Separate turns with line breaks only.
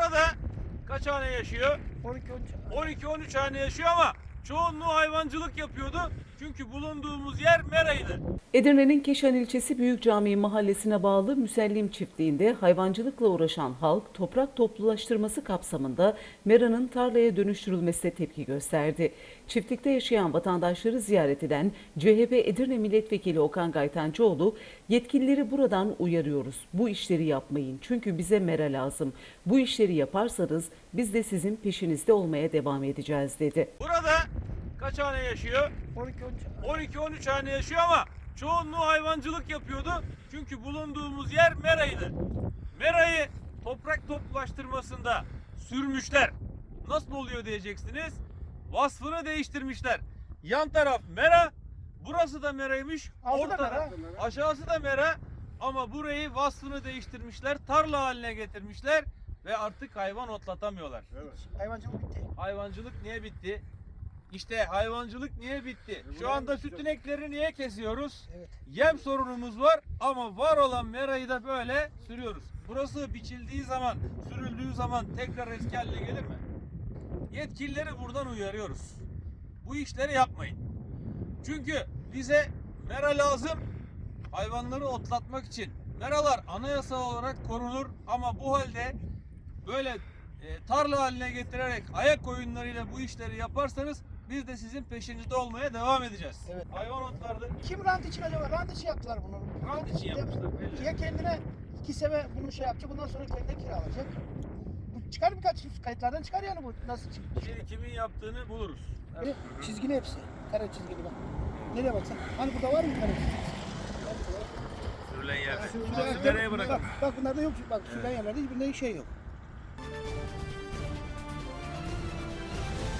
Burada kaç hane yaşıyor? 12-13 hane yaşıyor ama çoğunluğu hayvancılık yapıyordu. Çünkü bulunduğumuz yer meraydı.
Edirne'nin Keşan ilçesi Büyük Camii mahallesine bağlı Müsellim çiftliğinde hayvancılıkla uğraşan halk toprak toplulaştırması kapsamında meranın tarlaya dönüştürülmesine tepki gösterdi. Çiftlikte yaşayan vatandaşları ziyaret eden CHP Edirne Milletvekili Okan Gaytancıoğlu, yetkilileri buradan uyarıyoruz. Bu işleri yapmayın çünkü bize mera lazım. Bu işleri yaparsanız biz de sizin peşinizde olmaya devam edeceğiz dedi.
Burada kaç hane yaşıyor? 12-13 hane yaşıyor ama çoğunluğu hayvancılık yapıyordu. Çünkü bulunduğumuz yer meraydı. Merayı toprak toplulaştırmasında sürmüşler. Nasıl oluyor diyeceksiniz? Vasfını değiştirmişler. Yan taraf mera, burası da meraymış. Ortada, aşağısı da mera. Ama burayı vasfını değiştirmişler. Tarla haline getirmişler. Ve artık hayvan otlatamıyorlar.
Evet. Hayvancılık bitti.
Hayvancılık niye bitti? İşte hayvancılık niye bitti? Şu anda süt inekleri niye kesiyoruz?
Evet.
Yem sorunumuz var ama var olan merayı da böyle sürüyoruz. Burası biçildiği zaman, sürüldüğü zaman tekrar eski haline gelir mi? Yetkilileri buradan uyarıyoruz. Bu işleri yapmayın. Çünkü bize mera lazım hayvanları otlatmak için. Meralar anayasal olarak korunur ama bu halde böyle tarla haline getirerek ayak oyunlarıyla bu işleri yaparsanız biz de sizin peşinizde olmaya devam edeceğiz.
Evet.
Hayvan otlardı.
Kim rant için acaba? Rant için yaptılar bunu.
Rant için yapmışlar, belli.
Ya kendine 2 sene bunu şey yapacak, bundan sonra kendine kiralayacak. Bu çıkar birkaç kayıtlardan çıkar yani bu nasıl çıktı?
Şimdi kimin yaptığını buluruz.
Evet. Çizgili hepsi. Kare çizgili bak. Nereye baksan? Hani burada var mı kare çizgili?
Sürülen yerde.
Şurada-
Nereye bırakın?
Bak bunlarda yok. Bak sürülen yerlerde hiçbirinde şey yok.